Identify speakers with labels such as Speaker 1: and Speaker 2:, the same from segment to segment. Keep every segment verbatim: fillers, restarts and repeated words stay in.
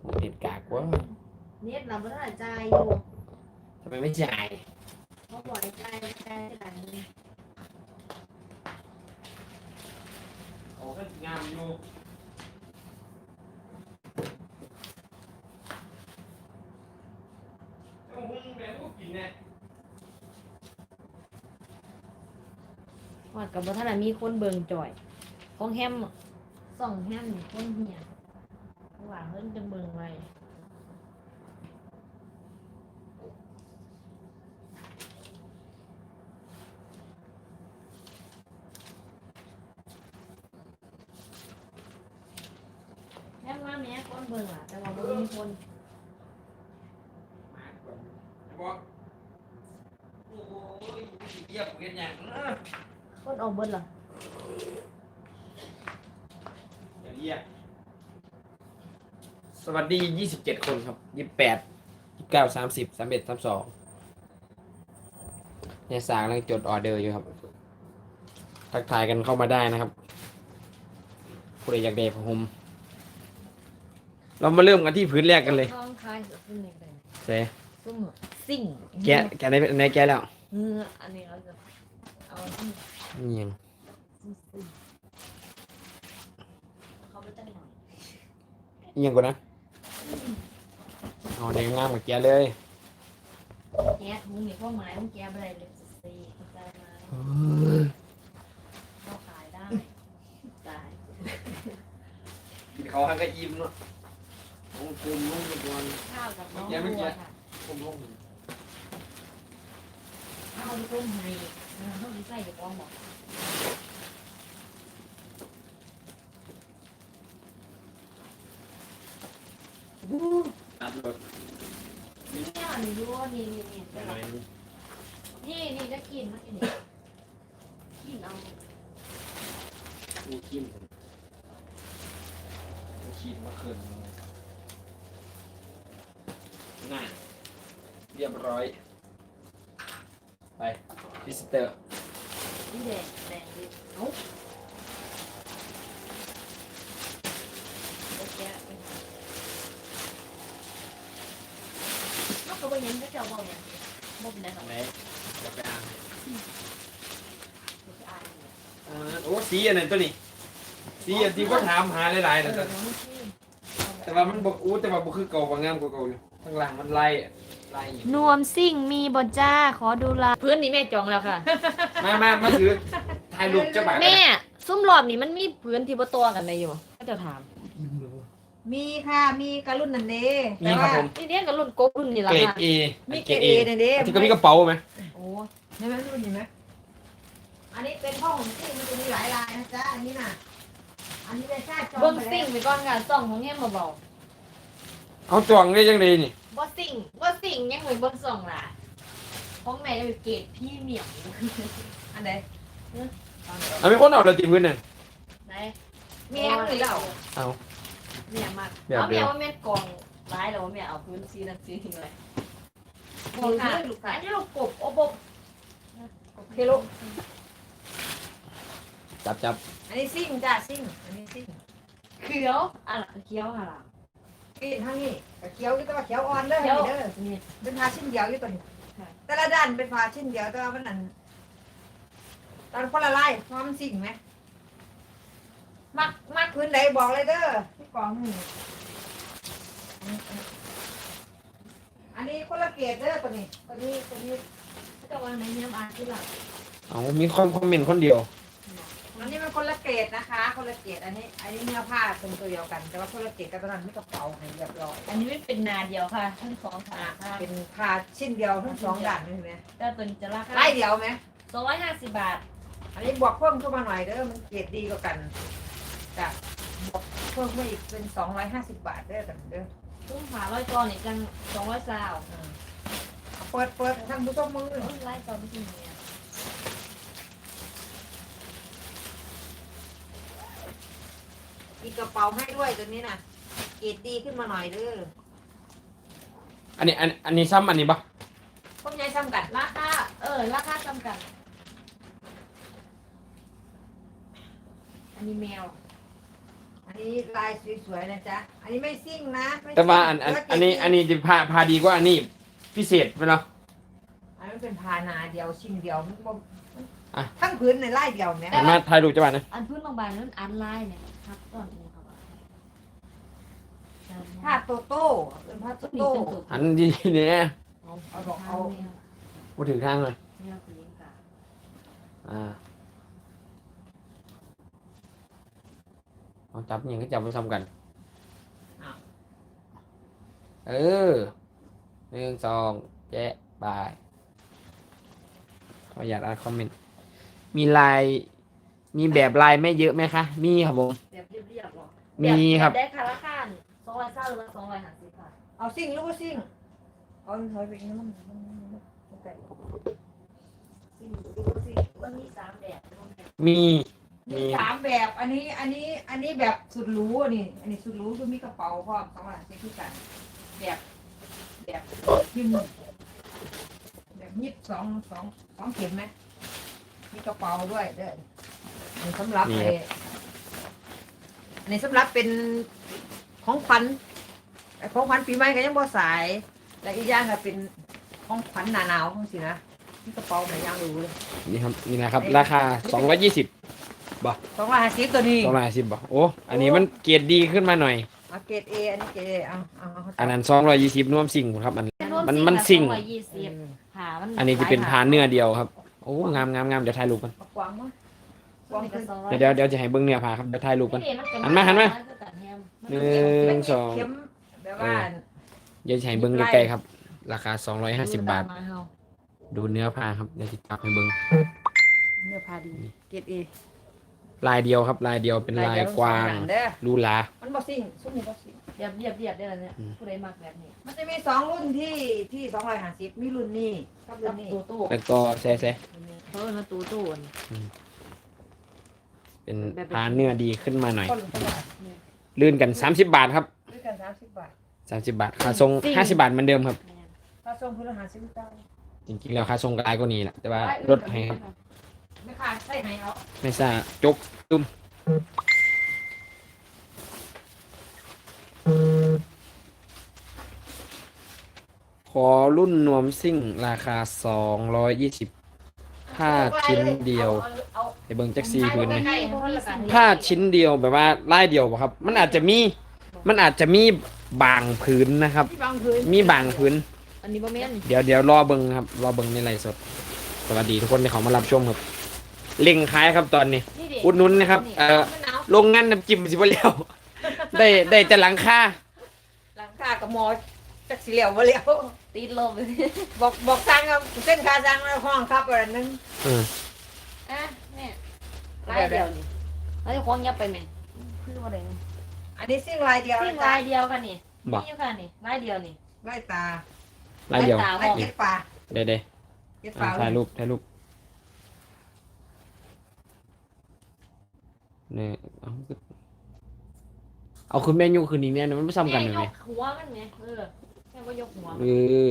Speaker 1: เน็ตกากวะ
Speaker 2: เน็ตเราไม่ได้จ่ายอยู่
Speaker 1: ทำไมไม่จ่าย
Speaker 2: เขาบอกให้จ่ายจ่ายหลังนี้
Speaker 1: โอ้ก็งามอยู่โอ้โหแบบพวกกินเนี่ย
Speaker 2: ว่ากับว่าท่านมีคนเบิ่งจ่อยของแฮมส่องแฮมคนเหี่ยว่าเพิ่นจะเบิ่งไว้แฮมมาแม่คนเบิ่งอ่ะแต่ว่าบ่มีคน
Speaker 1: บอกโอ้ยเยี่ยมเกินอย่างนะ
Speaker 2: คนออกเบิ่งเหรอ
Speaker 1: อย่าเยี่ยมสวัสดียี่สิบเจ็ดคนครับยี่สิบแปดยี่สิบเก้าสามสิบสามเอ็ดสามสองเนี่ยสางกำลังจดออเดอร์อยู่ครับทักทายกันเข้ามาได้นะครับผู้ใดอยากได้ผ้าห่มเรามาเริ่มกันที่พื้นแรกกันเลย
Speaker 2: ท้องคายสุดขึ้นเลย
Speaker 1: เซ่
Speaker 2: ซุ่มซิ่ง
Speaker 1: แกะแกะในในแกะแล้ว
Speaker 2: เอออันนี้เราจะเอาที่
Speaker 1: นี่ยัง
Speaker 2: ซิ่งเขาไปตั้งหน่อย
Speaker 1: นี่ยังกูนะเอาในงามกับแกะเลย
Speaker 2: แก๊สมึงมีข้อหมายมึงแก๊สอะไรเลยสี่เข้าใจไหมเข้าขายได้ตาย
Speaker 1: เขาให้ก็ยิ้มเนาะโอ้คุมลุ่มก่อน
Speaker 2: ข้าวกับน้องบัวค่ะ
Speaker 1: คุมลุ่ม
Speaker 2: ข้าวที่ต้มให้เขาที่ใส่กับกองบอก
Speaker 1: ตัดรถ
Speaker 2: นี่เนี่ยนี่ดูนี่นี่นี่นี่นี่จะกินมั้ยนี่กินเอา
Speaker 1: มีขี้มขี้มาคืนง่ายเรียบร้อยไปพิสเตอร์
Speaker 2: นี่แดงแดงดิเอ้าแก๊สไปนอกจากว่ายังก็จะบอกเนี่ยบอกเป็นอะไร
Speaker 1: ไหนจะไปอ่าน
Speaker 2: อ่าน
Speaker 1: อ่าโอ้สีอันไหนตัวนี้สีอันที่ก็ถามหาหลายๆ
Speaker 2: เอ
Speaker 1: นะ
Speaker 2: อ
Speaker 1: จ๊ะ
Speaker 2: น้องชื่อ
Speaker 1: แต่ว่ามันบอกอู้แต่ว่าบ่คือเก่ากว่างามกว่าเก่าอยู่ข้างล่างมันไล่ไล่อยู่
Speaker 2: นวมซิ่งมีบนจ้าขอดูลายพื้นนี้แม่จองแล้วค่ะ
Speaker 1: มามามาถือถ่ายรูปเจ้าบ่าว
Speaker 2: แม่ซุ้มรอบนี้มันมีพื้นที่บ่ตัวกันได้อยู่ก็จะถาม
Speaker 3: มีค่ะ มีกระรุ่นนันเด้
Speaker 1: นี่ครับผม
Speaker 2: นี่เรียกกับรุ่นโกรุ่นนี่ละ
Speaker 1: เกรด
Speaker 2: ค่ะ
Speaker 1: เอ
Speaker 3: มีเกรดเอนันเด้
Speaker 1: ที่ก็มีกระเป๋าไหม
Speaker 2: โอ้
Speaker 3: ใช่ไหมรุ่นนี้ไหมอันนี้เป็นห้องซิ่งมันจะมีหลายลายนะจ๊ะ อันนี้น่ะ อันนี้เป็นชาติจอม
Speaker 2: เบิ้ง
Speaker 3: ไป
Speaker 2: ซิ่ง
Speaker 3: แล้ว
Speaker 2: ไปก่อนค่ะส่องของแง่มาเบา
Speaker 1: เอาจองได้ยังไงนี่
Speaker 2: บ่ซิ่งบ่ซิ่งยังเหมือนเบิ้งส่องล่ะของแม่จะเป็นเกรดพรี่เมียม
Speaker 3: อันไหน
Speaker 1: เอามีคนเอาเราตีพื้นน่ะ
Speaker 2: ไหน
Speaker 3: เมียงหรือเรา
Speaker 1: เอา
Speaker 2: เมียมาก
Speaker 1: แบบ
Speaker 2: เอา
Speaker 1: เดี
Speaker 2: แม่
Speaker 1: ยว
Speaker 2: ว่าแม่กองร้ายแล้วว่าแม่เอาพื้นซีนั่นซีนี่เลย
Speaker 3: โอ้ย
Speaker 2: ค่ะ
Speaker 3: ลูกค่ะ
Speaker 2: อันนี้เรากบโอบก
Speaker 3: เคโล
Speaker 1: จับจับ
Speaker 3: อันนี้ซิ่งจ้ะซิ่ง อันนี้ซิ่ง
Speaker 2: เขียวอ่ะเขียวค่ะล่ะ
Speaker 3: กินทั้งนี้แต่เขียวอยู่แต่ว่าเขียวอ่อนเด้อ
Speaker 2: เขียว
Speaker 3: เด้อ
Speaker 2: นี่
Speaker 3: เป็นผ้าชิ้นเดียวอยู่ตัวนี้
Speaker 2: ค่ะ
Speaker 3: แต่ละด้านเป็นผ้าชิ้นเดียวแต่ว่ามันอันตอนคนละลายความนซิ่งไหม
Speaker 2: มักมัก
Speaker 3: พื้นไหนบอกเลยเด้อที่กองนี่อันนี้คนละเกรดเด้อตัวนี้ ตัวนี้ตัวนี้
Speaker 2: จะวางในน้ำอ่านที่หลัง
Speaker 1: เอามีคนคอมเมนต์คนเดียว
Speaker 3: อันนี้มันคนละเกรดนะคะ คนละเกรดอันนี้ อันนี้เนื้อผ้าเป็นตัวเดียวกัน แต่ว่าคนละเกรดกันตอนนั้นไม่กระเป๋าให้เรียบร้อย
Speaker 2: อันนี้ไม่เป็นนาเดียวค่ะทั้งสองขาค่ะ
Speaker 3: เป็นผ้าชิ้นเดียวทั้งสองด้านนี่เห็นไหม
Speaker 2: แต่ตัวนี้จะราคา
Speaker 3: ไล่เดียวไหม
Speaker 2: สองร้อยห้าสิบบาท
Speaker 3: อันนี้บวกเพิ่มเข้ามาหน่อยเด้อมันเกรดดีกว่ากันจ้ะบวกเพิ่มมาอีกเป็นสองร้อยห้าสิบบาทเด้อกันเด้อ
Speaker 2: ตุ้มขาร้อยกอนนี่จังสองร้อยซาว
Speaker 3: อืมเอาเปิดเปิดท่านผู้ชมมือ
Speaker 2: เอ้ยไล่กอนไม่จริงเนี่ย
Speaker 3: มีกระเป๋าให้ด้วยตัวนี้น่ะเกรดดีขึ้นมาหน่อยเด้อ
Speaker 1: อันนี้อันอันนี้ซ้ำอันนี้ปะ
Speaker 3: พวกยายซ้ำกัน
Speaker 2: ราคาเออราคาจำกัดอันนี้แมว
Speaker 3: อันนี้ลายสวยๆนะจ๊ะอันนี้ไม่ซิ่งนะไม่ซิ่ง
Speaker 1: แต่ว่าอันอัน
Speaker 3: แล้ว
Speaker 1: อันนี้อันนี้จะพาพาดีกว่าอันนี้พิเศษไปเนาะ
Speaker 3: อันนั้นเป็นพานาเดียวชิ้นเดียวมันบ่
Speaker 1: อ่ะ
Speaker 3: ทั้งพื้นในลายเดียวเนี่ย
Speaker 1: หันมาถ่ายรูปจ้าบ้านนะ
Speaker 2: อันพื้นบางๆนั้นอันลายเนี่ยครับตอนนี้ครับ
Speaker 3: ผ้าโตโต้เป็นผ้าโต
Speaker 2: ต้นนี้
Speaker 3: โต้
Speaker 2: เป็นตัว
Speaker 1: หันดีเนี่ย
Speaker 3: เอาเอาดอกเอา
Speaker 1: มาถึงทางเลย
Speaker 2: เนี่ยคือลิงกา
Speaker 1: อ่าเอาจับอย่างก็จับมาทำกัน เออหนึ่งสองแจ๊ะบายขออยากอ่านคอมเมนต์มีลาย มีแบบลายไม่เยอะไหมคะ มีครับผม
Speaker 2: แบบเรียบๆหรอ
Speaker 1: มีครับ
Speaker 2: ได้คาราคานสองร้อยเก้าหรือว่าสองร้อยห้าสิบค่ะ
Speaker 3: เอาซิ่งหรือว่าซิ่งเอาถอยไปอีกนิดนึงมันมันมันมันไก่
Speaker 2: สิ่งสิ่งมันมีสามแบบ
Speaker 1: มี
Speaker 3: มี
Speaker 1: มี
Speaker 3: สามแบบอันนี้อันนี้อันนี้แบบสุดหรูอันนี้อันนี้สุดหรูคือมีกระเป๋าพร้อมสองหลังเซ็คือกันแบบแบบพิมพ์แบบยิบสองสองสองเข็มไหมมีกระเป๋าด้วยเด้ออันนี้สำหรับ
Speaker 1: นี่
Speaker 3: ไอ้
Speaker 1: ครับ
Speaker 3: อันนี้สำหรับเป็นของขวัญไอ้ของขวัญปีใหม่ก็ยังบ่สาย และอีกอย่างก็เป็นของขวัญหนาหนาวของสินะที่กระเป๋าไหนย่างรู้เลย
Speaker 1: นี่ครับ นี่นะครับ ราคาสองร้อยยี่สิบ
Speaker 3: สองร้อยห้าสิบตัวนี้
Speaker 1: สองร้อยห้าสิบบ่โอ้ อันนี้มันเกรดดีขึ้นมาหน่อย
Speaker 3: เอาเกรดเออันนี้เกรดเอเอาเอาเอา
Speaker 1: อันนั้นสองร้อยยี่สิบน่วมสิ่งครับ อัน มันมันสิ่ง
Speaker 2: สองร้อยยี่สิบผ่ามัน
Speaker 1: อันนี้จะเป็นพานเนื้อเดียวครับ โอ้ งามงามงามเดี๋ยวถ่ายรูปกัน
Speaker 3: เอากวางมั้ง
Speaker 2: สองร้อยยี่สิบ
Speaker 1: เดี๋ยวเดี๋ยวเดี๋ยวจะให้เบิ้งเนื้อผ้าครับ เดี๋ยวถ่ายรูปกัน
Speaker 2: นี่มั
Speaker 1: หันมาหันมา
Speaker 2: น
Speaker 1: หนึ่งสอง
Speaker 3: เข็มแบบว่า
Speaker 1: เดี๋ยวจะให้เบิ้งใกล้ๆครับ ราคาสองร้อยห้าสิบบาท ดูเนื้อผ้าครับ เดี๋ยวจะจับให้เบิ้ง
Speaker 3: เนื้อพาดีเกรดเอ
Speaker 1: ลายเดียวครับ ลายเดียวเป็นลายกวาง
Speaker 3: เด้อ
Speaker 1: ลูลา
Speaker 3: มันบ่ซิ่งซุ้มนี่บ่ซิ่ง
Speaker 2: เรียบเรียบเรียบได้แล้วเนี่ย
Speaker 1: อืม
Speaker 2: ผู้ใดมักแบบนี้
Speaker 3: มันจะมีสองรุ่นที่ที่สองร้อยห้าสิบมีรุ่นนี้กับรุ่
Speaker 2: กับ
Speaker 3: นนี้
Speaker 2: ตู้ตู้
Speaker 1: แล้วก็แซ่แซ่
Speaker 2: เพราะว่าตู้ตู้อัน
Speaker 1: เป็นพานเนื้อดีขึ้นมาหน่อย
Speaker 3: คนละบาท
Speaker 1: ลื่นกันสามสิบบาทครับ
Speaker 3: ด้วยกันสามสิบบาท
Speaker 1: สามสิบบาท ค่าทรงห้าสิบบาทเหมือนเดิมครับ
Speaker 3: ถ้าส่งพลหาสิบเก้า
Speaker 1: จริงๆแล้วค่าทรงกลายก็นี้แหละ แต่ว่าลดให้ครับ
Speaker 3: ไม่ขาดใส่ไหนเอา
Speaker 1: ไม่ทราบจกตุ้มขอรุ่นนวมซิ่งราคาสองร้อยยี่สิบผ้าชิ้นเดียว
Speaker 3: เอา
Speaker 1: ไอเบิงจักซีพื้นไหม
Speaker 2: ใกล้ๆเพราะว่าละกัน
Speaker 1: ผ้าชิ้นเดียวแบบว่าลายเดียวบ่ครับ มันอาจจะมี มันอาจจะมีบางพื้นนะครับ
Speaker 3: ที่บางพื้น
Speaker 1: มีบางพื้น
Speaker 2: อันนี้บ่แม่น
Speaker 1: เดี๋ยวเดี๋ยวรอเบิงครับ รอเบิงในไลฟ์สด สวัสดีทุกคนที่เขามารับชมครับเล็งขายครับตอนนี้
Speaker 2: นี่ดิ
Speaker 1: อุดหนุนนะครับ เอ่อ
Speaker 3: มะนาว
Speaker 1: โรงงานน้ำจิ้มสิบ่แล้ว ได้ได้แต่หลังคา
Speaker 3: หลังคากับหมอจักสีเหลียวมาเหลียว
Speaker 2: ติดลมเลย
Speaker 3: บอกบอกสั่งครับเส้นคาสั่งแล้วห้องครับอะไรนึง
Speaker 1: เออ
Speaker 2: อ่ะเนี่ยลายเดียวนี่แล้วจะคว้างยับไปไหมคือว่าอะไร
Speaker 3: อันนี้ซิ่งลายเดียว
Speaker 2: ซิ่ง
Speaker 3: นะจ๊ะ
Speaker 2: ลายเดียวกันนี่
Speaker 1: บอก
Speaker 2: นี่ค่ะนี่ลายเดียวนี่
Speaker 3: ลายตา
Speaker 1: ลายเดียว
Speaker 2: ตา
Speaker 3: ลายเก็ดปลา
Speaker 1: เดี๋ยวเดี๋ยว
Speaker 3: เก็ดป
Speaker 1: อ่ะ
Speaker 3: ลา
Speaker 1: ถ่ายรูปถ่ายรูปเนี่ยเอาเอาคุณแม่ยุคืนนี้เนี่ยมันไม่ซ้ำกันเลยไหม
Speaker 2: ยกหัวมันไหมเออแค่ว่ายกหัว
Speaker 1: เออ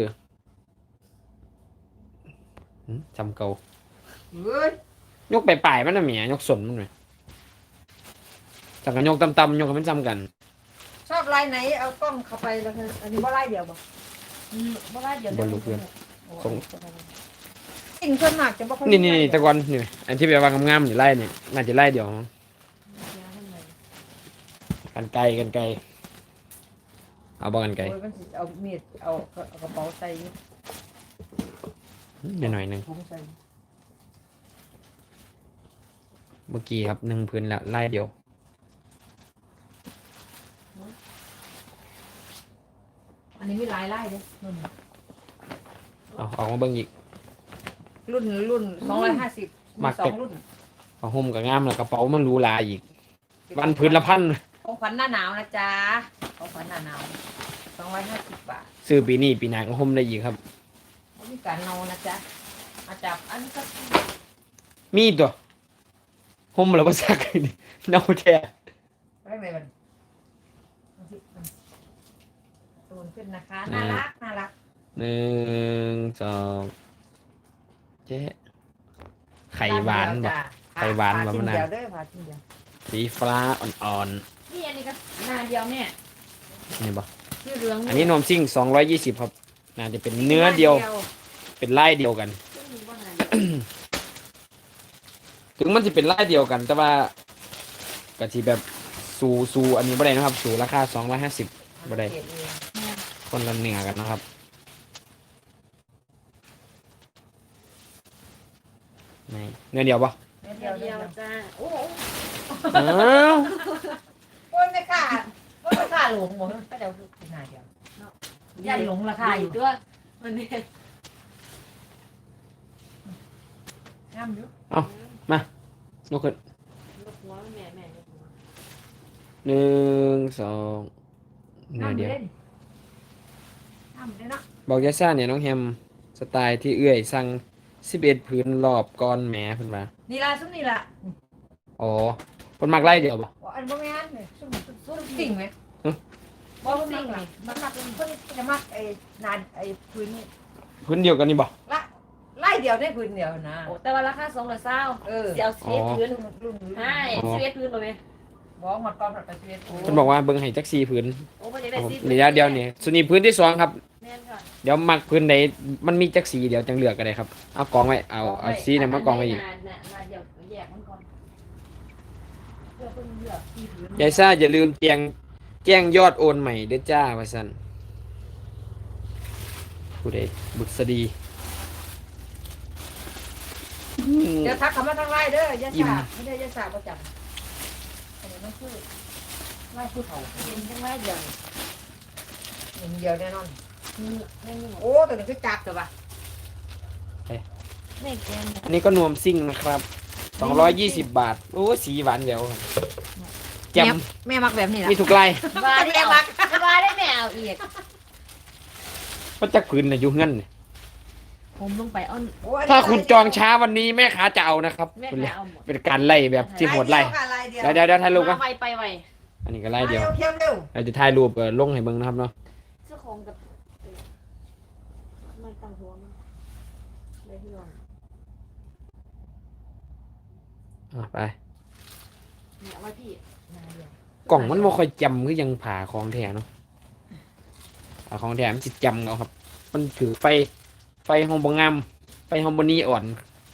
Speaker 1: หืมจำเก่า
Speaker 3: เฮ้ย
Speaker 1: ยกไปปลายๆมันน่ะเมียยกสนมันไหมจากกันยกต่ำๆยกให้มันซ้ำกัน
Speaker 3: ชอบลายไหนเอากล้องเข้าไปแล้วกันอันนี้ว่าลายเดียวบ่
Speaker 2: อืมบ่ลายเดียว
Speaker 1: บนลูกเพื่อน ส่ง
Speaker 3: สิ่งส่วนมากจะบ่ค่อย
Speaker 1: นี่นี่นี่แตะกอนนี่อันที่แบบว่างามๆอยู่ไล่เนี่ยน่าจะไล่เดียวมั้งกันไกลกันไกลเอาบ่กันไกล
Speaker 3: โอ้ยมันสิเอามีดเอาเอากระเป๋าใส่อยู่
Speaker 1: หน่อยหน่อยหนึ่ง
Speaker 3: ถุงใส่
Speaker 1: เมื่อกี้ครับหนึ่งพื้นละไล่เดียว
Speaker 3: อันนี้มีหลายลายเด้รุ่น
Speaker 1: เอาออกมาเบิ่งอีก
Speaker 3: รุ่นรุ่นสองร้อยห้าสิบ
Speaker 1: มัก
Speaker 3: สอ
Speaker 1: แต่
Speaker 3: งรุ่น
Speaker 1: เอาห่มกับงามแล้วกระเป๋ามันหรูหราอีกวันพื้นละพัน
Speaker 3: ของขวัญหน้าหนาวนะจ๊ะของขวัญหน้าหนาวสองร้อยห้าสิบบาท
Speaker 1: ซื้อปีนี้ปีหน้าก็ห่มได้อีกครับ
Speaker 3: ไม่มีการนอนนะจ๊ะอาจับอันนี้ก็
Speaker 1: มีตัวห่มแล้วบ่ซัก เน่าแท้
Speaker 3: ได้ไหมมันตูนขึ้นนะคะน่ารักน่ารัก
Speaker 1: หนึ่งสองเจ๊ไข่หวานบ่
Speaker 3: จ้ะ
Speaker 1: ไข่หวาน
Speaker 3: ผ่
Speaker 1: บ่
Speaker 3: ชิ้
Speaker 1: มะนาว
Speaker 3: เดียวเด้อผ่าชิ้นเดียว
Speaker 1: สีฟ้าอ่อน
Speaker 2: นี่อันนี่ก็หน้าเดียวแม่
Speaker 1: นี่บ่
Speaker 2: ชื่อเหลือง
Speaker 1: อันนี้นมซิ่งสองร้อยยี่สิบครับน่าจะเป็นเนื้อเดียวเป็นลายเดียวกัน
Speaker 2: ซึ่งมีว่าหน้าเดียว
Speaker 1: ถึงมันจะเป็นลายเดียวกัน แต่ว่ากะทิแบบสูสูอันนี้บ่ได้นะครับ สูราคาสองร้อยห้าสิบบ่ได้
Speaker 3: เกรดเอง
Speaker 2: แม่
Speaker 1: คนละเนื้อกันนะครับไหนเนื้อเดียวปะ
Speaker 3: เม็ด
Speaker 2: เดี
Speaker 3: เดี
Speaker 2: ย
Speaker 3: ยว ว
Speaker 2: เดี
Speaker 3: เดี
Speaker 2: ย
Speaker 3: ยว ว
Speaker 2: จ้าโอ้โห
Speaker 1: อ้าว
Speaker 3: โอ้ยไม่กล้าโอ้ยไม่กล้าหลงหมดก็เดี๋ยวคือหน้าเดียวยันหลงราคาอยู่
Speaker 2: ด้วยมันนี่
Speaker 3: งามอยู่
Speaker 1: ยกขึ้น
Speaker 2: ลูกหัวแม่แม่ลูกหัว
Speaker 1: หนึ่งสองเนื้อเดียว
Speaker 3: งามเลยเนาะ
Speaker 1: บอกยาซ่าเนี่ยน้องแฮมสไตล์ที่เอื้อยสั่งสิบเอ็ดพื้นรอบก้อนแหมเพิ่นมา
Speaker 3: นี่ล่ะซุ้มนี่ล่ะ
Speaker 1: อ๋อเพิ่นมักไล่เดียวปะ
Speaker 3: ว่าอันบ่แม่นเนี่ยซุ้มซุ้มสิ่งไหม
Speaker 1: ฮะ
Speaker 3: บ่ซุ้มสิ่งนี่มันมักเพิ่นจะมักไอ้นานไอ้พื้นนี่
Speaker 1: พื้นเดียวกันนี่บ่
Speaker 3: ละไล่เดียวได้พื้นเดียวนะ
Speaker 2: โอ้แต่ว่าราคาสองร้อยเศร้า
Speaker 3: เออ
Speaker 2: เสียวเสียพื้น
Speaker 3: รุ่นรุ่นรุ่น
Speaker 2: ใช่เสียพื้นเลย
Speaker 3: บ่หมดก่อนหมดไปชีวิต
Speaker 1: เพิ่นบอกว่าเบิ่งให้จักสี่พื้น
Speaker 2: โอ้ไม่ได้
Speaker 1: ครับผม
Speaker 2: สี
Speaker 1: ระยะเดียวนี่ส่วนนี้พื้นที่สองครับ
Speaker 2: แม่นค่ะ
Speaker 1: เดี๋ยวมักพื้นใดมันมีจักสีเดี๋ยวจังเลือกก็ได้ครับเอากองไว้เอาเอาสีนั้นมากองไว้อีก
Speaker 2: นานๆนานเดี๋ยวแยกมันก่อนเพื่อเพิ่งเลือกที่พื้น
Speaker 1: ยายซ่าอย่าลืมแจ้งแจ้งยอดโอนใหม่เด้อจ้าว่าซั่นผู้ใดบุษดีอืม
Speaker 3: เดี๋ยวทักเขามาทางไล่เด้อยา
Speaker 1: อิ่ม
Speaker 3: สาไม่ได้ยาสาประจำอันนี้มันคือไล่ผู้เฒ่า
Speaker 2: เป็นจังไรเดียว
Speaker 3: หนึ่งเดียวแน่นอน
Speaker 2: นี่แม่นี่
Speaker 3: โอ้ตัวนี้คือจับตัวปะ
Speaker 2: แม่แกน
Speaker 1: อันนี้ก็นวมซิ่งนะครับสองร้อยยี่สิบบาทโอ้สีหวานเดียวแจ่ม
Speaker 3: แม่มักแบบนี้แหละ
Speaker 1: มีทุกไล่
Speaker 2: บาได้เอาบาได้แม่เอาอีก
Speaker 1: มันจักพื้นน่ะอยู่เงินนี่
Speaker 2: ผมลงไปอ้อน
Speaker 3: โอ้ย
Speaker 1: ถ้าคุณจองช้าวันนี้แม่ค้าจะเอานะครับ
Speaker 2: แม่
Speaker 1: คุณ
Speaker 2: ไป
Speaker 1: เลย
Speaker 2: เอาหมด
Speaker 1: เป็นการไล่แบบที่โหดไล่
Speaker 3: ลายเดียว
Speaker 1: เดี๋ยวเดี๋ยวเดี๋ยวถ่ายรูปกั
Speaker 2: มาน ไวไปไว
Speaker 1: อันนี้ก็ไล่เดียว
Speaker 3: เที่ยวเร็ว
Speaker 1: เราจะถ่ายรูปเอ่อลงให้เบิ่งนะครับเนาะ
Speaker 2: เจ้าของกับมันตั้งหัวมันเลยที่ลง
Speaker 1: อ่ะไป
Speaker 2: เนี่ยเอาไว้พี่
Speaker 1: กล่องมันบ่ค่อยจำคือยังผ่าของแท้เนาะผ่าของแท้มันสิจำเอาครับ มันถือไฟไฟห้องบ่งามไฟห้องบ่นีอ่อน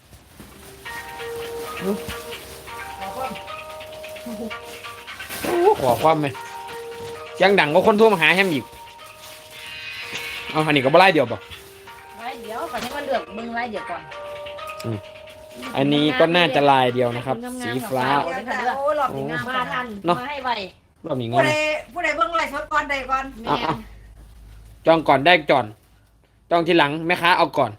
Speaker 1: โอ้ขอความไหมเสียงดังก็คนโทรมาหาแฮมอีกเอาอันนี้ก็บ่ไล่เดียวบ่
Speaker 2: ไว้เดี๋ยวก่อนให้มันเลือกมึงไว้เดี๋ยวก่อน
Speaker 1: อันนี้ก็น่าจะลายเดียวนะครับ สีฟ้า
Speaker 3: โอ้หลอดนี่งาม
Speaker 2: มาทัน
Speaker 1: เนาะ
Speaker 2: มาให้ไว
Speaker 1: รอบนี้ง
Speaker 3: ผู้
Speaker 1: ง
Speaker 3: ใดผู้ใดเบิ่งไล่สดก่อนใดก่อน
Speaker 2: แม่
Speaker 1: อ่ะ จองก่อนได้ก่อนจองทีหลังแม่ค้าเอาก่อน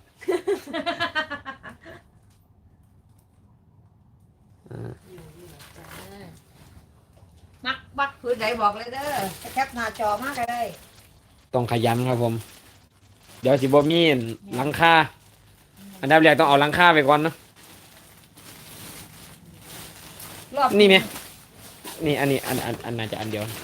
Speaker 3: มักบักพื้นใดบอกเลยเด้อแคปหน้าจอมากก็ได้
Speaker 1: ต้องขยันครับผม เดี๋ยวสิบ่มีหลังคาอันดับแรกต้องเอาหลังคาไปก่อนเนาะ
Speaker 3: รอบ
Speaker 1: นี่ไหมนี่อันนี้อันอันอันน่าจะอันเดียว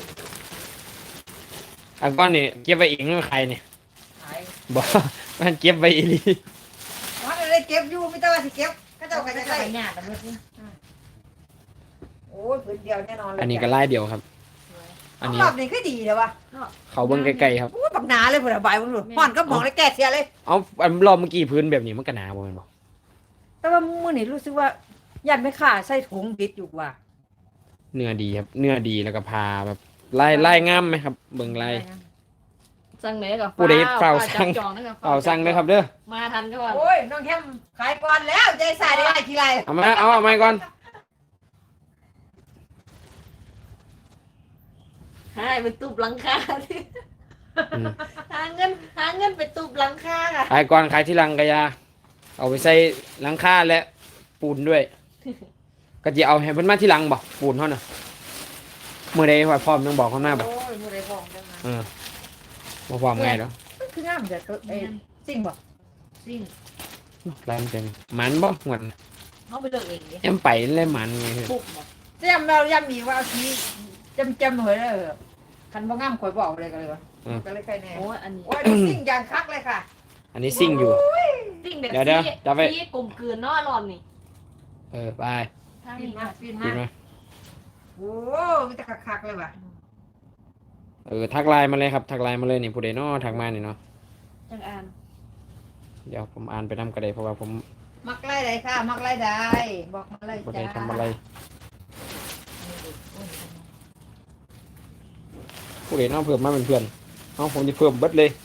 Speaker 1: อันก้อนนี่เก็บไว้เองไม่ใครเนี่ย
Speaker 3: ขาย
Speaker 1: บอก มันเก็บไว้อีหลี
Speaker 3: ว่าได้เก็บอยู่ไม่ต้องว่าสิเก็บก็เจ้าก็จะ
Speaker 2: จะ
Speaker 3: ได้
Speaker 2: ไปหยาดกันด้วยสิ
Speaker 3: โอ้ยพื้นเดียวแน่นอนเลย
Speaker 1: อันนี้ก็ไล่เดียวครับ อันนี้
Speaker 3: รอบนี้ก็ดีเลยวะ
Speaker 1: เขาเบิ้งใกล้ๆครับ
Speaker 3: โอ้ยปักหนาเลยผู้ใดบายมึงดูห่อนก็มองเลยแก่เสียเลย
Speaker 1: เอาอันรอบเมื่อกี้พื้นแบบนี้มันก็หนาบ่แม่นบ่
Speaker 3: แต่ว่ามื้อนี้รู้สึกว่ายันไม่ขาใส่ถุงบิดอยู่ว่ะ
Speaker 1: เนื้อดีครับ เนื้อดีแล้วก็พาแบบไล่ไล่งามไหมครับ เบิ่งไล่
Speaker 2: สั่งไหนกับ
Speaker 1: ผู้ใดเฝ้าสั่ง
Speaker 2: จองนะครับ
Speaker 1: เอาสั่งเลยครับเด้อ
Speaker 2: มาทันก่อน
Speaker 3: โอ้ยน้องแคมขายก่อนแล้วใจใส่ได้ไรทีไร
Speaker 1: เอามาเอาเอามาก่อน
Speaker 2: ให้ไปตุบหลังคาที่
Speaker 1: อืม
Speaker 2: หาเงินหาเงินไปตุบหลังคาค่ะ
Speaker 1: ขายก่อนขายที่หลังกะยา เอาไปใส่หลังคาและปูนด้วย ก็จะเอาให้เพิ่นมาที่หลังบ่ปูนเฮาน่ะมื้อใดว่าพร้อมต้องบอกเขาหน้าบ่
Speaker 3: โอ้ยผู้ใดพองจังนะ
Speaker 1: เออบ่พร้อมไงเนาะ
Speaker 3: มันคืองามแต่ตัวไอ้สิ่งบ่
Speaker 2: สิ่ง
Speaker 1: ลายมันเป็นหมันบ่หวน
Speaker 2: เขาไปเลือกเองดิ
Speaker 1: แอมไปเลยหมันไงคือ
Speaker 2: ปุ๊บบอก
Speaker 3: จำเราย้ำอีกว่าเอาทีจำจำเหยเลยคันบ่งามข่อยบอกเลยกันเลยวะก็เลยใครแน่
Speaker 2: โอ้ยอันนี้
Speaker 3: โอ้ยสิ่งอย่างคักเลยค่ะ
Speaker 1: อันนี้ซิ่งอยู่
Speaker 2: สิ่งเด็ก
Speaker 1: เดี๋ยวเดี๋ยว
Speaker 2: ที่
Speaker 1: จับไว้
Speaker 2: ที่กลมกลืนเนาะรอบนี่
Speaker 1: เออไป
Speaker 2: ทาง
Speaker 3: ฟิน
Speaker 2: นี้
Speaker 3: มา
Speaker 2: มา
Speaker 3: ฟิน
Speaker 1: กิ
Speaker 3: มาน
Speaker 1: มา
Speaker 3: โอ้มีแต่คักๆเลยว่ะ
Speaker 1: เออทักไลน์มาเลยครับทักไลน์มาเลยนี่ผู้ใดเนาะทักมานี่เนาะ
Speaker 2: จังอ่าน
Speaker 1: เดี๋ยวผมอ่านไปนำก็ได้เพราะว่าผม
Speaker 3: มักไล่ใดค่ะ มักไล่ใดบอกมาเลย
Speaker 1: ผู้ใด
Speaker 3: จ้า
Speaker 1: ทำอะไรผู้ใดเนาะเพิ่มมาเป็นเพื่อนเอาผมจะเพิ่มเบิดเลย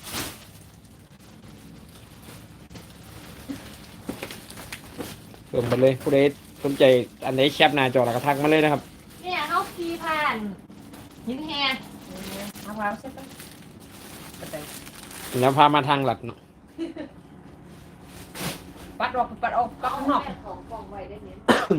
Speaker 1: เพิ่มเบิดเลยผู้ใดสนใจอันไหนแคปหน้าจอแล้วก็ทักมาเลยนะครับ
Speaker 2: เนี่ยเขาขี่ผ่านหินแฮ
Speaker 3: มะพร้าวใช่ปะกระเตย
Speaker 1: แล้วพามาทางหลัดเนาะ
Speaker 3: ปัดออกปัดออกปัด
Speaker 2: เอา
Speaker 3: ข้างนอก
Speaker 2: แม่ของกล่องไว้ได้เนี่ย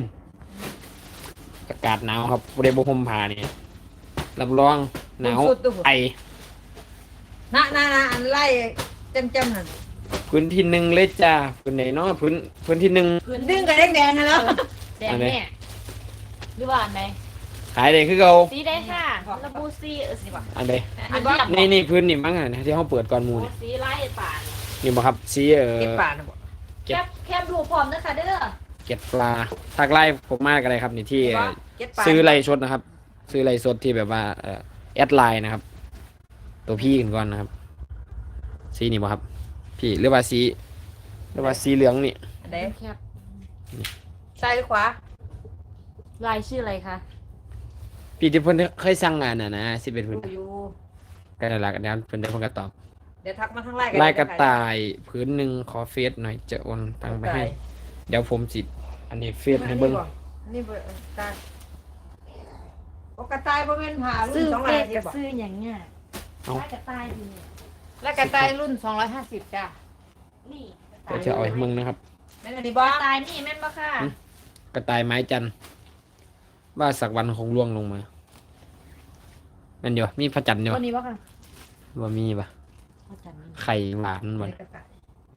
Speaker 1: อากาศหนาวครับผู้ใดบ่ห่มผ้านี่รับรองหนาว
Speaker 3: สุดตัว
Speaker 1: ไอ
Speaker 3: น่ะน่ะน่ะอันไล่เต็มเต็มนั่น
Speaker 1: พื้นที่หนึ่งเลยจ้าพื้นไหนเนาะพื้นพื้นที่หนึ่ง
Speaker 2: พื้น
Speaker 3: ดึงกับแดงๆนะแล้ว
Speaker 2: แดงแม่หรือว่าอันไหน
Speaker 1: ขายได้คือเรา
Speaker 2: สีได้ค่ะระบูซีเออสิบ่ะ
Speaker 1: อันใด
Speaker 2: อันนี้
Speaker 1: นี่นี่พื้นนี่มั้งอ่ะที่เขาเปิดก่อนหมู
Speaker 2: โอ้
Speaker 1: นี่
Speaker 2: สีลายป่าน
Speaker 1: นี่บ่ครับสีเออ
Speaker 3: เก็บป่านะบอก
Speaker 2: แคบแคบดูพร้อมนะคะเด้อ
Speaker 1: เก็ดปลาทักไล่ผมมากอะไรครับนี่ที่เอ่อ
Speaker 3: เก็บป่า
Speaker 1: ซื้อไล่สดนะครับ ซื้อไล่สดที่แบบว่าเอ่อแอดไลน์นะครับ ตัวพี่กันก่อนนะครับ สีนี่บ่ครับ พี่หรือว่าสีหรือว่าสีเหลืองนี่
Speaker 3: อันใด
Speaker 2: แคบ
Speaker 3: ซ้ายหรือขวา
Speaker 2: ลายชื่ออะไรคะ
Speaker 1: พี่ที่เพิ่นเคยสั่งงานน่ะนะสิเป็นเพิ่น
Speaker 3: อยู่
Speaker 1: ก็ได้ละกันแล้วเพิ่นได้เพิ่นก็ตอบ
Speaker 3: เดี๋ยวทักมาทางไล่
Speaker 1: ลายกระต่ายพื้นหนึ่งขอเฟซหน่อยจะโอนตังค์ไปให้ เดี๋ยวผมสิอันนี้เฟซให้เบิ่ง
Speaker 3: นี่เบิ่งตายโอ้กระต่ายบ่แม่นผ่ารุ่
Speaker 2: ซื้
Speaker 3: น
Speaker 2: อ
Speaker 3: สองร้
Speaker 2: เป็
Speaker 3: อย
Speaker 2: ด
Speaker 3: ห้าสิ
Speaker 2: กั
Speaker 3: บบ บ่
Speaker 2: ซื้ออย่างเงี้ย
Speaker 1: เอา
Speaker 2: ลายกระต่ายดีเนี่ย
Speaker 3: แล้วกระต่ายรุ่นสองร้อยห้าสิบจ้ะ
Speaker 2: นี่
Speaker 1: เดี๋ยวจะเอาให้มึงนะครับ
Speaker 3: แม่นอันนี้
Speaker 2: ก
Speaker 3: บ่
Speaker 2: ระต่ายนี่แม่นบ่ค่ะ
Speaker 1: กระต่ายไม้จันทร์ว่าสักวันคงร่วงลงมาแมันเดียวมีพระจันทร์เดียว
Speaker 2: วันนี้บ่ค่ะ
Speaker 1: ว่ามีปะ
Speaker 2: อาจารย์นี่
Speaker 1: ไข่หวานบ่
Speaker 3: กระต่าย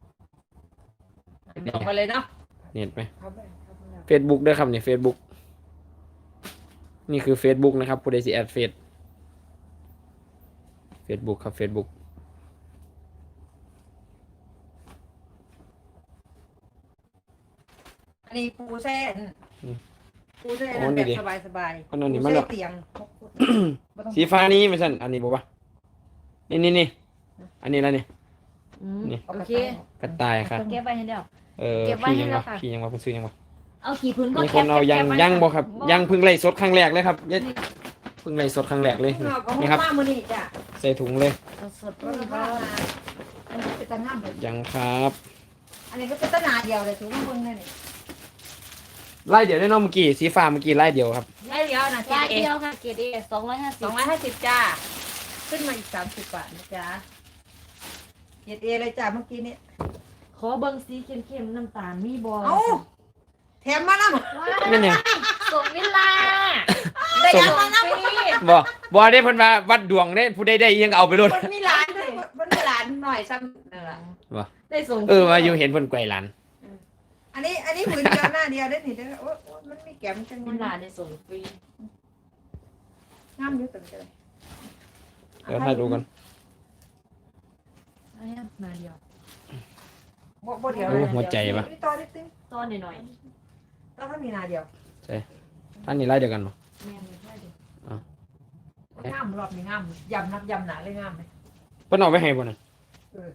Speaker 3: เดี๋ยวเอาไปเลยเนาะ
Speaker 1: เน็ตไหม
Speaker 3: เอาไปเอาไปเอา
Speaker 1: เฟซบุ๊กด้วยครับนี่เฟซบุ๊กนี่คือเฟซบุ๊กนะครับผู้ใดสิแอดเฟซเฟซบุ๊กครับเฟซบุ๊ก
Speaker 3: อันนี้ปูแซ่นปูแซ่นแบบสบายสบาย
Speaker 1: อันนั้นนี่
Speaker 3: ปู
Speaker 1: มัน
Speaker 3: แซ่
Speaker 1: แบบ
Speaker 3: เตียงบ่ต้อง
Speaker 1: สีฟ้านี้ไม่ใช่อันนี้บอกว่านี่นี่นี่อันนี้แล้วนี่
Speaker 2: อืม
Speaker 1: นี่
Speaker 2: โอเค
Speaker 1: กระต่ายค่ะ
Speaker 2: เก็บไว้ให้เดียว
Speaker 1: เออ
Speaker 2: เก็บไว้
Speaker 1: พี่
Speaker 2: ให้
Speaker 1: ยัง
Speaker 2: แล้ว
Speaker 1: วะ
Speaker 2: ค่ะ
Speaker 1: พี่ยังวะคุณซื้อยังวะ
Speaker 2: เอาขี่พื้นก็
Speaker 1: มี
Speaker 2: แค
Speaker 1: คน
Speaker 2: บ
Speaker 1: เอายัง
Speaker 2: แคบไว้
Speaker 1: ยังบ่ครับ
Speaker 2: บ่
Speaker 1: ยังเพิ่งไล่สดครั้งแรกเลยครับยังเพิ่งไล่สดครั้งแรกเลย
Speaker 3: เอาของ
Speaker 1: นี่ครับ
Speaker 3: มามื้อนี้จ้ะ
Speaker 1: ใส่ถุงเลย
Speaker 2: สดๆ
Speaker 3: ก็
Speaker 2: นี่
Speaker 3: ก็
Speaker 2: ก็
Speaker 3: อันนี้เป็นตะงามเลย
Speaker 1: ยังครับ
Speaker 3: อันนี้ก็เป็นตะหนาเดียวเลยถูกมั้งเบิ่งเลยนี่
Speaker 1: ไล่เดียวได้เน้องเมื่อกี้สีฟ้าเมื่อกี้ไล่เดียวครับ
Speaker 3: ได้เดียวนะ
Speaker 2: ลาย
Speaker 3: เอ
Speaker 2: เดียวค่ะเกรดเอสองร้อยห้าสิ
Speaker 3: ส
Speaker 2: บ
Speaker 3: องร้อยห้าสิบจ้า ขึ้นมาอีกสามสิบบาทนะจ๊ะเกรดเอเลยจ้าเมื่อกี้นี้
Speaker 2: ขอเบิ่งสีเข้มๆน้ำตาลมีบ่
Speaker 3: เอ้าแถมมาแล้ว
Speaker 2: ว้า
Speaker 1: นั่นยัง
Speaker 2: ส่งเวลา
Speaker 3: ได้
Speaker 2: ส่
Speaker 3: ยัง
Speaker 2: ง
Speaker 3: มาแล้ว
Speaker 2: ฟรี
Speaker 1: บ่บ่ได้เพิ่นว่าวัดดวงได้ผู้ใดได้ยังเอาไปโลด
Speaker 3: มันมีหลานด้วยมันมีหลานหน่อยซ้ำนั่นล่ะ
Speaker 1: บ่
Speaker 2: ได้ส่ง
Speaker 1: เออว่าอยู่เห็นเพิ่นไกวหลาน
Speaker 3: อันนี้อันนี้ผืนเดียวหน้าเดียวได้นี่เด้อโอ้โอ้มันมีแก้มจัง
Speaker 2: มันหลานได้ส่งฟรี
Speaker 3: งามอยู่ตังเลย
Speaker 1: เดี๋ยวถ่ายดูกัน
Speaker 2: อันนี้มาเดียว
Speaker 3: บ่บ่เดียว
Speaker 1: โอ้หัวใจปะ
Speaker 3: นี่ต่อนิดนึง
Speaker 2: ตอนหน่อย
Speaker 3: แล้วถ้ามีหนาเดียว
Speaker 1: ท่านนี่ไล่เดียวกันบ่
Speaker 2: ๆแม่ไม่ได้เดี๋ยว
Speaker 3: งามรอบนี้งามยำนับยำหนาเลยงามเลย
Speaker 1: เพิ่นเอาไปให้บ่นั่น
Speaker 3: เออ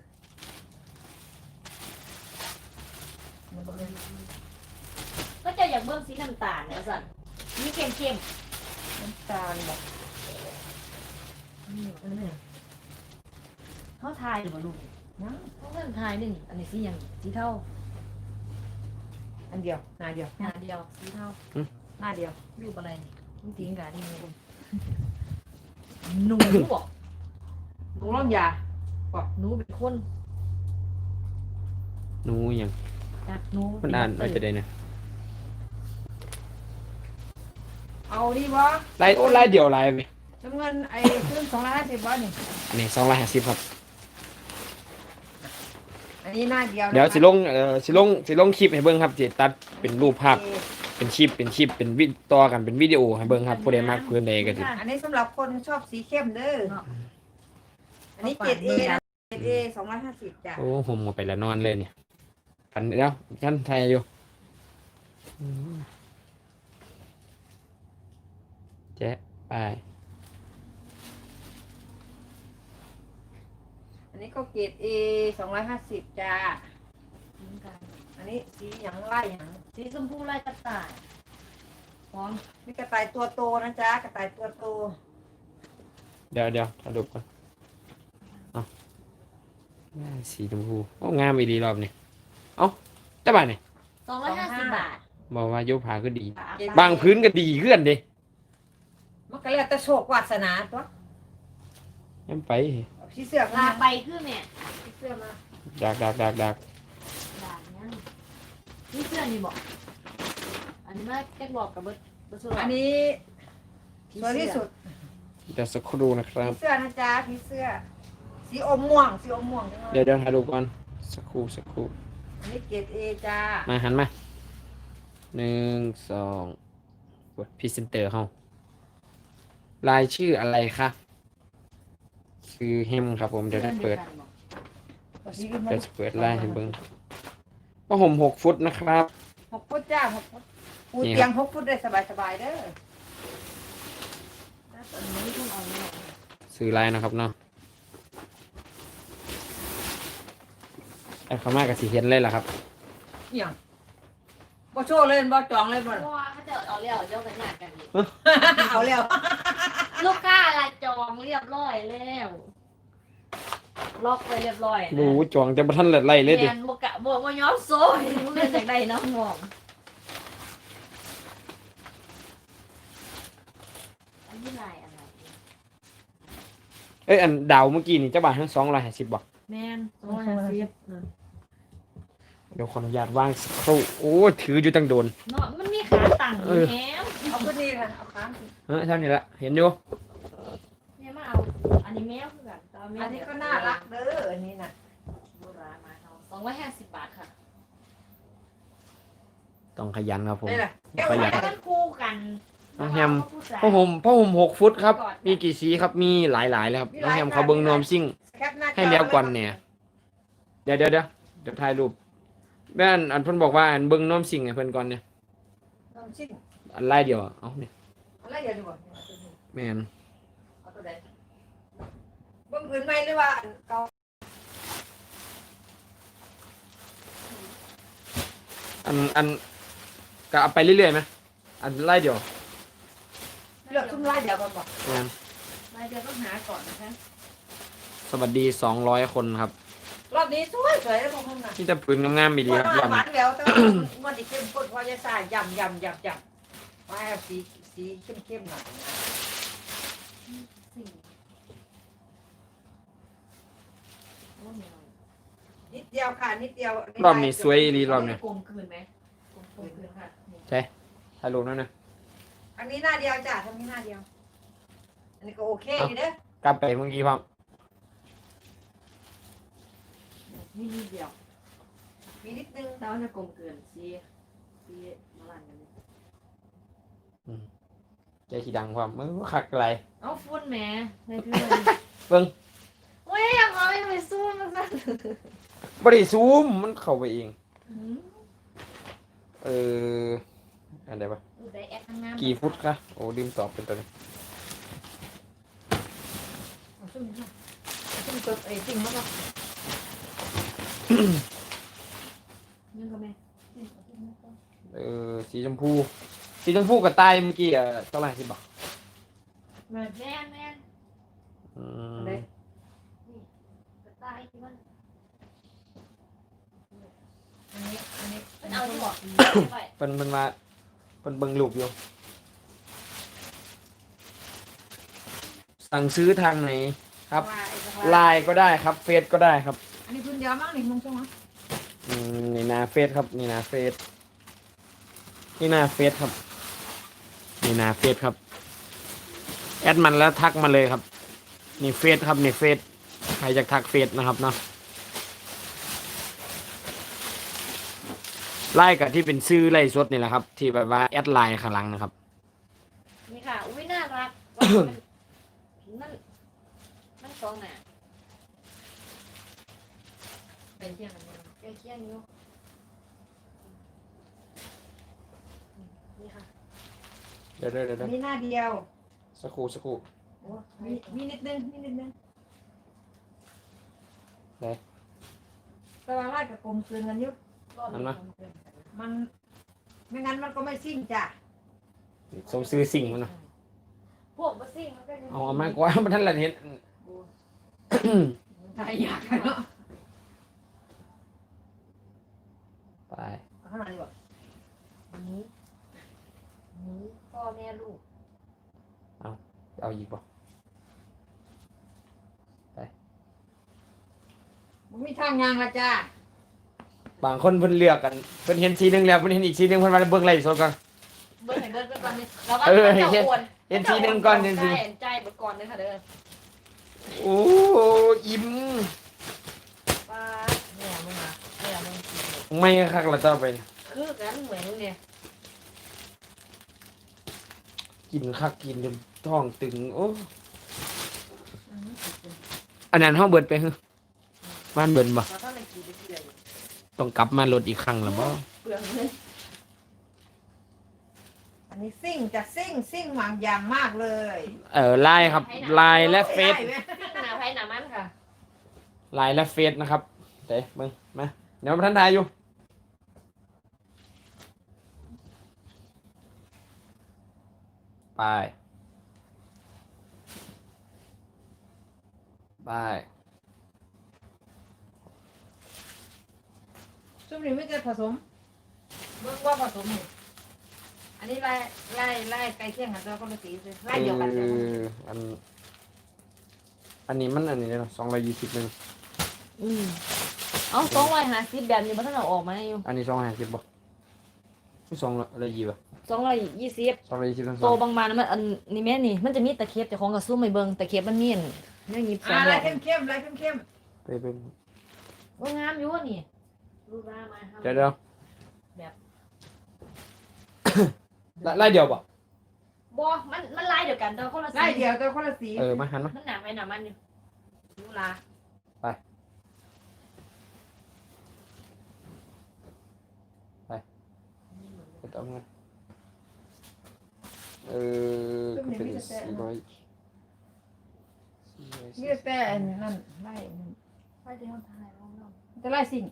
Speaker 3: มันบ่แม่น
Speaker 2: ก็จะอยากเบิ่งสีน้ำตาลนะสั่นนี่เข้ม
Speaker 3: น้ำตาลแบบ
Speaker 2: ๆนี่อันนี้เขาทายหรือเปล่าลูก
Speaker 3: นะ
Speaker 2: เขาเริ่มทายนี่นี่อันนี้สีอย่างสีเทา
Speaker 3: อันเดียวหนาเดียว
Speaker 2: หน้าเดียวสีเทา
Speaker 3: หน้าเดียว
Speaker 2: รูปอะไรนี่มันทิ้งกันนี่มึงหนูบอก
Speaker 3: ถุงร่องยา
Speaker 2: หนูเป็นคน
Speaker 1: หนูหยัง
Speaker 2: จากหนู
Speaker 1: เพิ่นอ่านว่าจะได้นะ
Speaker 3: เอาดีบ่
Speaker 1: ไล่โอ้ไล่เดียวไล่ไป
Speaker 3: จำเงินไอ้ขึ้นสองร้อยห้าสิบบ่นี่
Speaker 1: อันนี้สองร้อยห้าสิบครับ
Speaker 3: อันนี้หน้าเดียวนะ
Speaker 1: เดี๋ยวสิลงเอ่อสิลงสิลงคลิปให้เบิ่งครับสิตัดเป็นรูปภาพ เป็นคลิปเป็นคลิปเป็นวิต่อกันเป็นวิดีโอให้เบิ่งครับผู้ใดมักพื้นใดก็สิ
Speaker 3: อันนี้สำหรับคนชอบสีเข้มเด้ออันนี้เกรดเอนะเกรดเอสองร้อยห้าสิบจ้ะ
Speaker 1: โอ้ผมเอาไปแล้วนอนเลยเนี่ยพันเดี๋ยวฉันไทยอยู่อืมแจจ๊ะไป
Speaker 3: อันนี้ก็เกรด A สองร้อยห้าสิบจ้า
Speaker 2: เหมือนกัน
Speaker 3: อันนี้สีหยังไล่หยัง
Speaker 2: สีชมพูลายกระต่าย
Speaker 3: พร้อมมีกระต่ายตัวโตนะจ๊ะกระต่ายตัวโต
Speaker 1: เดี๋ยวเดี๋ยวถ่ายรูปก่อนเอาสีชมพูโอ้งามอีดีรอบนี้เอ้าได้ป่ะเนี่ย
Speaker 2: สองร้อยห้าสิบบาท
Speaker 1: บอกว่าโยผาก็ดี
Speaker 3: เกรด
Speaker 1: บางพื้นก็ดีขึ้นดิ
Speaker 3: มันก็แล้วแต่โชควาสนาตัว
Speaker 1: ยังไป
Speaker 3: เอาสีเสื้อ
Speaker 2: ลา
Speaker 3: มา
Speaker 2: ไปคือเนี่ย
Speaker 3: สีเสื้อมา
Speaker 1: ดักดักดักดัก
Speaker 2: ด่านยังนี่เสื้อนี่บอกอันนี้มาแจ็คบอกกับเบิร์ดเบิร์ดสุด
Speaker 3: อันนี้สวยที่สุด
Speaker 1: เดี๋ยวสักครู่นะครั
Speaker 3: ผี
Speaker 1: บ
Speaker 3: เสื้อนะจ๊ะผีเสื้อ สีอมม่วงสีอมม่วงจังเล
Speaker 1: เดี๋ยวย เดี๋ยวถ่ายรูปก่อนสักครู่สักครู่
Speaker 3: อันนี้เกรด A จ้า
Speaker 1: มาหันมาหนึ่งสองกดพรีเซนเตอร์เฮาลายชื่ออะไรคะคือเฮมครับผมเดี๋ยวได้เปิด
Speaker 3: สีอื่นมา
Speaker 1: เดี๋ยวจะเปิดลายให้เบิ้งผ้าห่มหกฟุตนะครับ
Speaker 3: หกฟุตจ้าหกฟุตปู
Speaker 1: นี่ครับ
Speaker 3: เตียงหกฟุตได้สบายสบายๆเด้อ
Speaker 2: อันนี้คุณเอาเนี่ย
Speaker 1: ซื้อลายนะครับเนาะไอ้ขม่ากับสีเห็นเลยล่ะครับ
Speaker 3: อหย่างบ่โชว์เลยบ่จองเลยบ่
Speaker 2: เพราะว่าเขาจะเอาเรียวเจ้ากันหนักกันอีก
Speaker 3: เอาแล้ว
Speaker 2: ลูกค้าละจองเรียบร้อยแล้วล็อกไปเรียบร้อยนะ
Speaker 1: ดูจองจะมาทันไล่เลยดิ
Speaker 2: แมนบกะบวกว่าย้อมโซ่มึงเล่นจากใดน้องมองอันนี้ลายอะไร
Speaker 1: เอ้ยอันดาวเมื่อกี้นี่เจ้าบ่าวทั้งสองร้อยห้าสิบบอก
Speaker 2: แมนสองร้อยห้าสิบ
Speaker 1: เดี๋ยวขออนุญาตวางสักครู่โอ้ถืออยู่ตั้งโดน
Speaker 2: เนาะมันมีขาตั้งอยู่แล้ว
Speaker 3: เอาขึ้นนี่ค่ะเอาค้างสิ
Speaker 1: เออเท่านี้ละเห็นอยู่
Speaker 2: เนี่ยมาเอาอันนี้แมวคือกันแต่ว่าแมว
Speaker 3: อันนี้ก็น่ารักเด้ออันนี้น่ะ
Speaker 2: โบราณมาเอาสองร้อยห้าสิบบาทค่ะ
Speaker 1: ต้องขยันครับผม
Speaker 3: นี่แหละ
Speaker 1: ประหยัด
Speaker 2: มันคู่กัน
Speaker 1: น้องแฮม
Speaker 2: ผู้ชาย
Speaker 1: ผ้าห่มผ้าห่มหกฟุตครับ มีกี่สีครับมีหลายๆเลยครับน้องแฮมเขาเบิ้งนวมซิ่ง
Speaker 3: แคปหน้าจอ
Speaker 1: ให้แล้วก่อนเนี่ย เดี๋ยวเดี๋ยวเดี๋ยวเดี๋ยวถ่ายรูปแม่นอันเพิ่นบอกว่าอันเบิ้งนวมซิ่งให้เพิ่นก่อนเนี่ย
Speaker 3: น้ำชิ้น
Speaker 1: อันไล่เดียวอะเอาเนี่ย
Speaker 3: อะไรเดี๋ยวดูบ่
Speaker 1: แม่น
Speaker 3: เอาตัวใดเบิ่งพื้นไหมหรือว่าอันเก่า
Speaker 1: อันอันก็เอาไปเรื่อยๆไหมอันไล่เดียว
Speaker 3: เลือกชุ่มไล่เดี๋ยวก่อนบอก
Speaker 1: แม่น
Speaker 2: รายเดือนต้องหาก่อนนะคะ
Speaker 1: สวัสดีสองร้อยคนครับ
Speaker 3: รอบนี้สวยสวยแล้วพวกมึงน่ะ
Speaker 1: ที่จะปืนงามๆมีดีครับ
Speaker 3: ห
Speaker 1: รอบ
Speaker 3: วา
Speaker 1: นี้
Speaker 3: นแล้วแต่ว่ามันอีกเข้มข้นเพราะยาซ่ายำยำยำยำว่าให้สีสีเข้มเข้มๆหน่อยนะ
Speaker 2: สี่โอ้ย
Speaker 3: นิดเดียวค่ะนิดเดียว
Speaker 1: รอบนี้สวยอีหลีรอบนี้
Speaker 2: กลมคืนไหมกลมคืนค่ะนี่
Speaker 1: ใช่ถ่ายรูปนั่นนะ
Speaker 3: อันนี้หน้าเดียวจ้ะทำนี้หน้าเดียว อันนี้ก็โอเคอยู่เด้อก
Speaker 1: ลับไปเมื่อกี้พร้อม
Speaker 2: นี่นิดเดียว
Speaker 3: มีนิดนึง
Speaker 2: แต่ว่าจะกลมเกินซีซีมาลันกันเลย
Speaker 1: ใจสีดังพร้อมมือคักอะไร
Speaker 2: เอาฟุ้นแหม่ในเพื่อน
Speaker 1: เบิ้ง
Speaker 2: โอ้ยอยากเอาไปสู้มันนะ
Speaker 1: บ่ได้ซูมมันเข้าไปเอง
Speaker 2: อืม
Speaker 1: เอออันใดปะ
Speaker 2: ดูได้แอดข้างหน้า
Speaker 1: กี่ฟุตคะโอ้ลืมตอบเป็นตัวนี้
Speaker 3: เอาซุ่มค่ะเอาซุ่มตัวไอ้จริงมากเลย
Speaker 2: ยังก็แม่
Speaker 1: เออสีชมพูสีชมพูกับใต้เมื่อกี้อ่ะเท่าไหร่สิบอก
Speaker 2: แม่แม่แม่
Speaker 1: อืม
Speaker 3: อะไร
Speaker 2: กระต่ายที่มัน
Speaker 3: อันนี้อันนี้
Speaker 2: มันเอาที่บอกไป
Speaker 1: เพิ่นเพิ่นมาเพิ่นเบิ่งรูปอยู่สั่งซื้อทางไหนครับ
Speaker 3: ว่าอ้จังหวะ
Speaker 1: ไลน์ก็ได้ครับเฟซก็ได้ครับ
Speaker 3: อันนี้พื้นเดียวมั้งนี่มึงช่วงมั้ง
Speaker 1: อืมนี่นาเฟซครับนี่นาเฟซนี่นาเฟซครับนี่นาเฟซครับแอดมันแล้วทักมาเลยครับนี่เฟซครับนี่เฟซใครจะทักเฟซนะครับเนาะไล่กับที่เป็นชื่อไล่สดนี่แหละครับ ที่แบบว่าแอดไลน์ข้างหลังนะครับ
Speaker 2: นี่ค่ะ อุ้ยน่ารักมันมันตรงน่ะเป็นเที่ยงกันเนี่ยใกล้เที่ยงอยู่นี่ค่ะ
Speaker 1: เดี๋ยวเดี๋ยวเดี๋ยว
Speaker 3: อันนี้หน้าเดียว
Speaker 1: สักครู่สักครู่
Speaker 3: โอ้มีมีนิดนึงมีนิดนึง
Speaker 1: ไหน
Speaker 3: แต่ว่าลายกับกลมคืนกันอยุบ
Speaker 1: อันนะ
Speaker 3: มันไม่งั้นมันก็ไม่ซิ่งจ้ะ
Speaker 1: สมซื้อสิ่งมันนะ
Speaker 2: พวกบัสซิ่งมันก็จะ
Speaker 1: เอาเอามากกว่ามันท่านละเห็น
Speaker 3: ใช่อยากเนาะ
Speaker 1: ไป
Speaker 3: เอาข้างหลังดีกว่า
Speaker 2: นี้นี้พ่อแม่ลูก
Speaker 1: เอาอีกบ่
Speaker 3: มันมีทางยางละจ้า
Speaker 1: บางคนเพิ่นเลือกกันเพิ่นเห็นสีหนึงแล้วเพิ่นเห็นอีกสีหนึงเพิ่นมาเบิ่งไล่สดกัน
Speaker 2: เบิ้ลให้เบิ้ลไปก่อนนี่แล้วก็
Speaker 1: เออ
Speaker 2: เจ้า
Speaker 1: เห็น
Speaker 2: อ้วน
Speaker 1: เห็นสีหนึงก่อนเห็นสี
Speaker 2: ใจใจเบิดก่อนเลยค่ะเด้อ
Speaker 1: โอ้อิ่ม
Speaker 2: ป้าเนี่ยมึงอ่ะเนี่ยมึงกินเลย
Speaker 1: ไม่คักละต่อไป
Speaker 2: คือกันเหมือนมึงเนี่ย
Speaker 1: กินคักกินจนท้องตึงโอ้อันนั้นเฮาเบิดไปเหรอบ้านเบิดบ่
Speaker 2: เราต้องไปกินไปเรื่อย
Speaker 1: ต้องกลับมาลดอีกครั้งแล้วบ่
Speaker 2: เปลืองเลย
Speaker 3: อันนี้ซิ่งจะซิ่งซิ่งหวังอย่างมากเลย
Speaker 1: เออไลน์ครับไลน์และเฟซ
Speaker 3: ได้ไหม
Speaker 2: หนาไผ่หนามันค่ะ
Speaker 1: ไลน์และเฟซนะครับเด้มึงมาเดี๋ยวท่านทายอยู่ไปไป
Speaker 3: ช่วงนี้ไม่จะผสมเบิ่งว่าผสมนี่อันนี้ไล่ไล่ไล่ไก่เที่ยงกันแล้วก็มาสีเลยไล่เดียวกันเลย
Speaker 1: อออันอันนี้มันอันนี้เนาะสองร้อยยี่สิบหนึ่ง
Speaker 2: อืมเอาสองร้อยห้าสิบแบบนี้มันต้องเอาออกมาอยู่
Speaker 1: อันนี้สองร้อยห้าสิบบ่สองร้อยยี่บ่
Speaker 2: สองร้อยยี่สิบ
Speaker 1: สองร้อยยี่สิบทั้งส
Speaker 2: โต
Speaker 1: อง
Speaker 2: บางมานะมันอันนี้แม่นี่มันจะมีตะเข็บแต่ของกับซุ้มไม่เบิ่งตะเข็บมันมีนนี่ยิบสอ
Speaker 3: อ่าง
Speaker 2: ด
Speaker 3: ไล่
Speaker 2: อก
Speaker 3: เข้มเข้มๆไล่เข้มเข้ม
Speaker 1: ไปเป็น
Speaker 2: ว่างามอยู่วะนี่รูปร่างมาครับ
Speaker 1: เดี๋ยวเดี๋ยว
Speaker 2: แบบ
Speaker 1: ไล่ไล่เดียวบ่
Speaker 2: บ่มันมันลายเดียวกันแต่ว่าคนละ
Speaker 3: ๆ
Speaker 2: สี
Speaker 3: ไล่เดียวแต่คนละสี
Speaker 1: เออมาหันมา
Speaker 2: มันหนาไปหนามันอยู่ดูลา
Speaker 1: ไปต่อมาเออก็เป็นสี่ร้อยสี่ร้อย
Speaker 3: นี่แต่อันนั่นไล่อันนั้น
Speaker 2: ไปเดี๋ยวถ่ายลองลอง
Speaker 3: จะไล่สิ่ง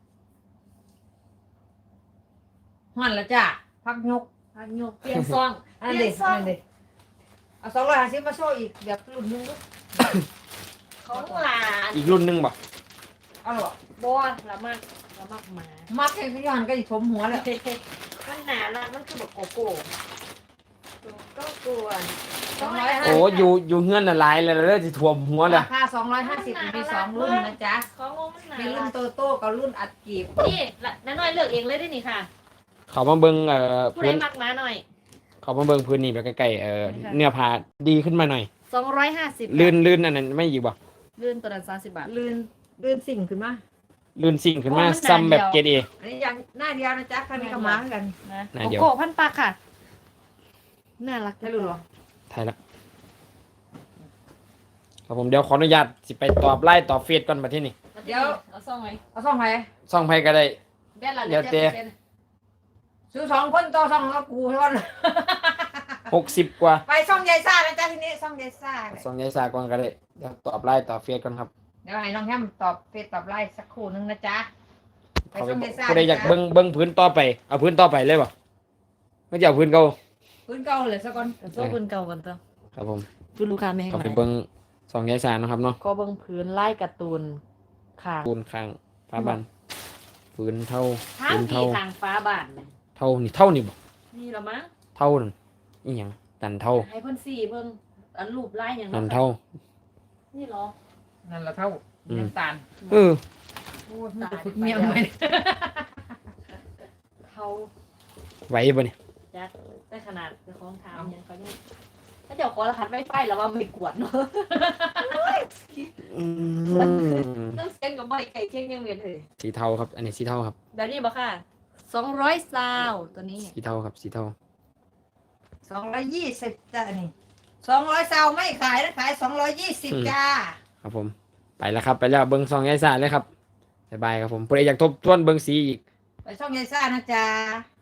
Speaker 3: หันละจ้าพักยก
Speaker 2: อันยกเปลี่ยนซอง
Speaker 3: อันนั้นเด็กอันนั้นเด็กเอาสองร้อยห้าสิบมาโชว์อีกแบบรุ่นหนึงก็
Speaker 2: ของหลาน
Speaker 1: อีกรุ่นหนึงบ่
Speaker 3: เอาหรอ
Speaker 2: บ่ละมากละมากหมา
Speaker 3: มักให้ขยันก็อีกถมหัวแล้ว
Speaker 2: มันหนาละมันคือแบบโกโก้ก็กลัว
Speaker 3: สองร้อยห้า
Speaker 1: โอ้อยู่อยู่เฮือนน่ะหลายแล้วเด้อสิท่วมหัวเลย
Speaker 3: ราคาสองร้อยห้าสิบมีสองรุ่นนะจ๊ะ
Speaker 2: ของงมันหนา
Speaker 3: มีรุ่นโตโต้กับรุ่นอัดกีบ
Speaker 2: นี่ละน้อยเลือกเองเลยได้นี่ค่ะ
Speaker 1: เขามาเบิ่งเอ่อ
Speaker 2: ผู้ใด
Speaker 1: พื้น
Speaker 2: มักมาหน่อย
Speaker 1: เขามาเบิ่งพื้นนี่แบบใกล้ๆเอ่อ
Speaker 2: ค่ะ
Speaker 1: เนื้อผ้าดีขึ้นมาหน่อย
Speaker 2: สองร้อยห้าสิบ
Speaker 1: ลื่นลื่นอันนั้นไม่อยู่บ่
Speaker 2: ลื่นตัวนั้นสามสิบบาท
Speaker 3: ลื่นลื่นสิ่งขึ้นมา
Speaker 1: ลื่นสิ่งขึ้นมา
Speaker 2: โอ้มันหนา
Speaker 1: ซ้ำแบบ
Speaker 2: เดี
Speaker 1: เก
Speaker 2: ยว
Speaker 1: รดเอ
Speaker 3: อันนี้ยังหน้าเดียวนะจ๊ะคันนี้ก็มาเหมือนกัน
Speaker 2: นะ
Speaker 1: หน้า
Speaker 2: โก
Speaker 1: เดียว
Speaker 2: โก้พันปากค่ะน่ารัก
Speaker 3: ได้รู้หรอ
Speaker 1: ไทยละครับผมเดี๋ยวขออนุญาตสิไปตอบไล่ตอบเฟซก่อนมาที่นี่
Speaker 2: เดี๋ยวเอาซ่องไว้
Speaker 3: เอาสองไหน
Speaker 1: ซ่องไผก็ได้
Speaker 2: แบนละ
Speaker 1: เดี๋ยวเจ๊
Speaker 3: ซื้อสองคนต่อสองแล้วกูเท่านั้น
Speaker 1: หกสิบกว่า
Speaker 3: ไปซ่องยายซ่านะจ๊ะทีนี้ซ่องยายซ่าเลย
Speaker 1: ซ่องยายสาก่อนก็ได้เดี๋ยวตอบไล่ตอบเฟซก่อนครับ
Speaker 3: เดี๋ยวให้น้องแฮมตอบเฟซตอบไลน์สักครู่นึงนะจ๊ะไป
Speaker 1: เขาไป
Speaker 3: ซ่องยายซ่า
Speaker 1: ผู้ใดอยากเบิ่งเบิ่งพื้นต่อไปเอาพื้นต่อไปเลยบ่ไม่จะเอาพื้นเก่า
Speaker 3: พื้นเก่าเลยสักคน
Speaker 2: โซ่พื้นเก่ากันเถอะ
Speaker 1: ครับผม
Speaker 2: พื้นลูกค้าไม่ให้
Speaker 1: ก็
Speaker 2: ไห
Speaker 1: ไป
Speaker 2: น
Speaker 1: เบิ่งซ่องยายสานะครับเนาะ
Speaker 2: ก็เบิ่งพื้นไล่การ์ตูนค่ะ
Speaker 1: ปูนข้างฟ้าบันพื้นเท่า
Speaker 2: ทาง
Speaker 1: พื้น
Speaker 2: ที่
Speaker 1: เท่า
Speaker 2: ทางฟ้าบานเนี่ย
Speaker 1: เท่านี่เท่านี่บ่
Speaker 2: นี่เหรอมั้ง
Speaker 1: เท่านั่นอีหยังนันเท่า
Speaker 2: ให้เพิ่นสี่เบิ่งอันรูปไล่อย่าง
Speaker 1: นันเท่า
Speaker 2: นี่เหรอ
Speaker 3: นั่นละเท่า
Speaker 1: อืม
Speaker 3: น้ำตาล
Speaker 1: เออ
Speaker 3: โอ้ยมันจะฝึกเมียงไหม
Speaker 2: เขา
Speaker 1: ไหวบ่เนี่ย
Speaker 2: จัดได้ขนาดเจ้าของถามยังเขาเนี่ยถ้าเจ้าขอรหัสไวไฟแล้วว่าไม่กวดเนาะ
Speaker 1: อืม
Speaker 2: ต้องเซ็นกับไม่ไก่เชียงยังเวียนเลย
Speaker 1: สีเทาครับ อันนี้สีเทาครับ
Speaker 2: แบบนี้บ่ค่ะสองร้อยซาวตัวนี้
Speaker 1: สีเทาครับสีเทา
Speaker 3: สองร้อยยี่สิบจ้ะนี่สองร้อยซาวไม่ขายนะขายสองร้อยยี่สิบจ้า
Speaker 1: ครับผมไปแล้วครับไปแล้วเบิ้งซองยายสาเลยครับบ๊ายบายครับผมผู้ใดอยากทบทวนเบิ้งสีอีก
Speaker 3: ไปช่องยายซ่านะจ๊ะ